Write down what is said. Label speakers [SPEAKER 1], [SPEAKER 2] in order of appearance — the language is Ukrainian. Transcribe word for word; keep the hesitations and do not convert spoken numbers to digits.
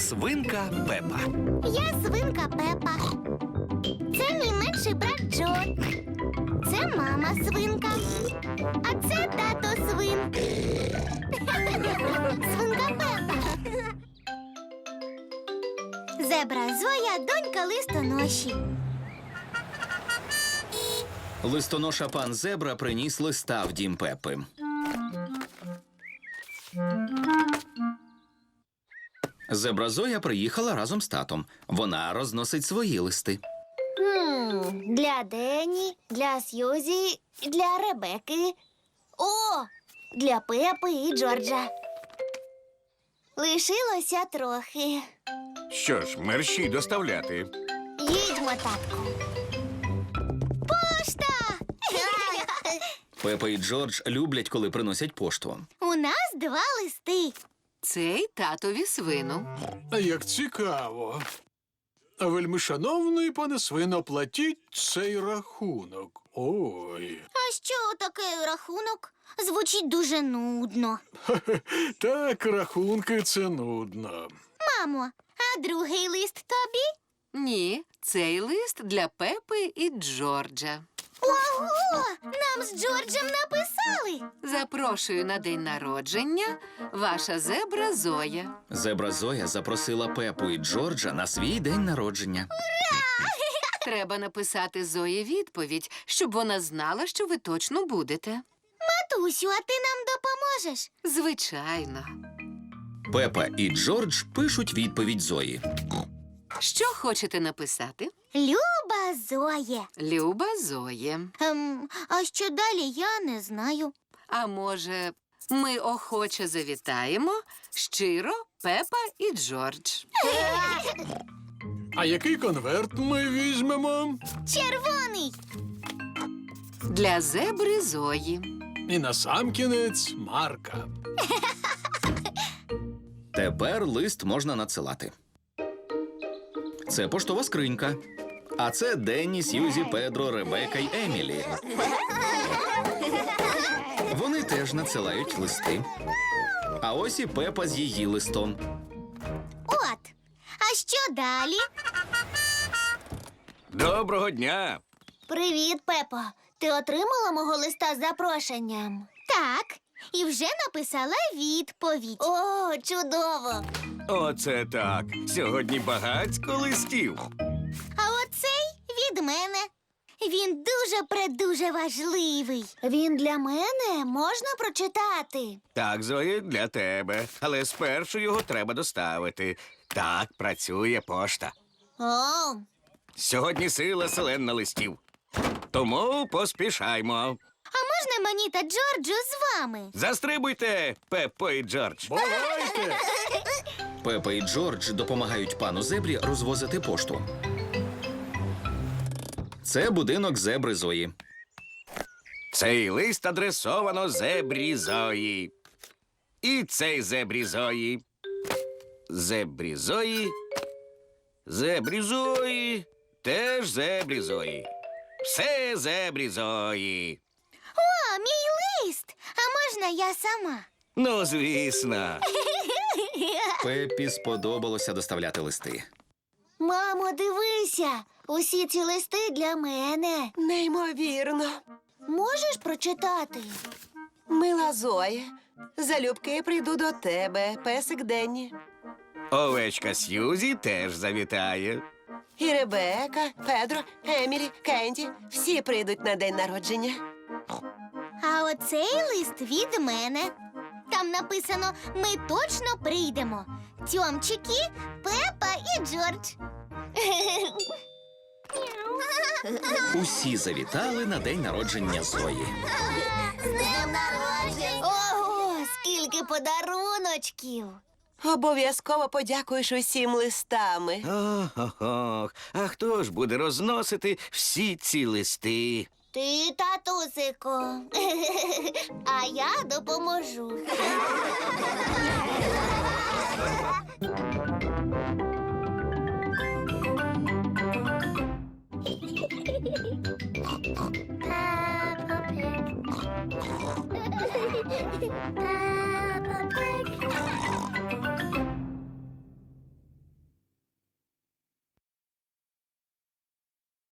[SPEAKER 1] Свинка Пепа.
[SPEAKER 2] Я свинка Пепа. Це мій менший брат Джо. Це мама свинка. А це тато свин. Свинка Пепа. Зебра Зоя, донька листоноші.
[SPEAKER 1] Листоноша пан Зебра приніс листа в дім Пепи. Зебра Зоя приїхала разом з татом. Вона розносить свої листи.
[SPEAKER 2] Хм, для Дені, для Сьюзі, для Ребекки. О, для Пепи і Джорджа. Лишилося трохи.
[SPEAKER 3] Що ж, мерщій доставляти.
[SPEAKER 2] Їдьмо, татку. Пошта!
[SPEAKER 1] Пепа і Джордж люблять, коли приносять пошту.
[SPEAKER 2] У нас два листи.
[SPEAKER 4] Цей татові свину.
[SPEAKER 5] А як цікаво. А вельмишановний пане свино, платіть цей рахунок. Ой.
[SPEAKER 2] А що такий рахунок? Звучить дуже нудно.
[SPEAKER 5] Так, рахунки це нудно.
[SPEAKER 2] Мамо, а другий лист тобі?
[SPEAKER 4] Ні, цей лист для Пепи і Джорджа.
[SPEAKER 2] Ого! Нам з Джорджем написали.
[SPEAKER 4] Запрошую на день народження ваша зебра Зоя.
[SPEAKER 1] Зебра Зоя запросила Пепу і Джорджа на свій день народження.
[SPEAKER 4] Треба написати Зої відповідь, щоб вона знала, що ви точно будете.
[SPEAKER 2] Матусю, а ти нам допоможеш?
[SPEAKER 4] Звичайно.
[SPEAKER 1] Пепа і Джордж пишуть відповідь Зої.
[SPEAKER 4] Що хочете написати?
[SPEAKER 2] Люба Зоє.
[SPEAKER 4] Люба Зоє.
[SPEAKER 2] Ем, а що далі, я не знаю.
[SPEAKER 4] А може, ми охоче завітаємо? Щиро, Пепа і Джордж.
[SPEAKER 5] А який конверт ми візьмемо?
[SPEAKER 2] Червоний.
[SPEAKER 4] Для зебри Зої.
[SPEAKER 5] І насамкінець Марка.
[SPEAKER 1] Тепер лист можна надсилати. Це поштова скринька. А це Денні, Сьюзі, Педро, Ребека й Емілі. Вони теж надсилають листи. А ось і Пепа з її листом.
[SPEAKER 2] От. А що далі?
[SPEAKER 3] Доброго дня!
[SPEAKER 2] Привіт, Пепо. Ти отримала мого листа з запрошенням? Так. І вже написала відповідь. О, чудово.
[SPEAKER 3] Оце так. Сьогодні багацько листів.
[SPEAKER 2] А оцей від мене. Він дуже-предуже важливий. Він для мене можна прочитати.
[SPEAKER 3] Так, Зоє, для тебе. Але спершу його треба доставити. Так працює пошта.
[SPEAKER 2] О,
[SPEAKER 3] Сьогодні сила селен листів. Тому поспішаймо.
[SPEAKER 2] а можна мені та Джорджу з вами?
[SPEAKER 3] Застрибуйте, Пеппо і Джордж.
[SPEAKER 5] Бувайте!
[SPEAKER 1] Пепа і Джордж допомагають пану Зебрі розвозити пошту. Це будинок зебри Зої.
[SPEAKER 3] Цей лист адресовано зебрі Зої. І цей зебрі Зої. Зебрі Зої. Зебрі Зої. Теж зебрі Зої. Все зебрі Зої.
[SPEAKER 2] О, мій лист! А можна я сама?
[SPEAKER 3] Ну, звісно.
[SPEAKER 1] Пеппі сподобалося доставляти листи.
[SPEAKER 2] Мамо, дивися! Усі ці листи для мене.
[SPEAKER 6] Неймовірно.
[SPEAKER 2] Можеш прочитати?
[SPEAKER 6] Мила Зоя, залюбки прийду до тебе, песик Денні.
[SPEAKER 3] Овечка Сьюзі теж завітає.
[SPEAKER 6] І Ребека, Педро, Емілі, Кенді – всі прийдуть на день народження.
[SPEAKER 2] А оцей лист від мене. Там написано «Ми точно прийдемо». Тьомчики, Пепа і Джордж.
[SPEAKER 1] Усі завітали на день народження Зої.
[SPEAKER 2] З днем народження! Ого, скільки подаруночків!
[SPEAKER 6] Обов'язково подякуєш усім листами.
[SPEAKER 3] Ох-ох-ох. А хто ж буде розносити всі ці листи?
[SPEAKER 2] Ти, татусико. А я допоможу.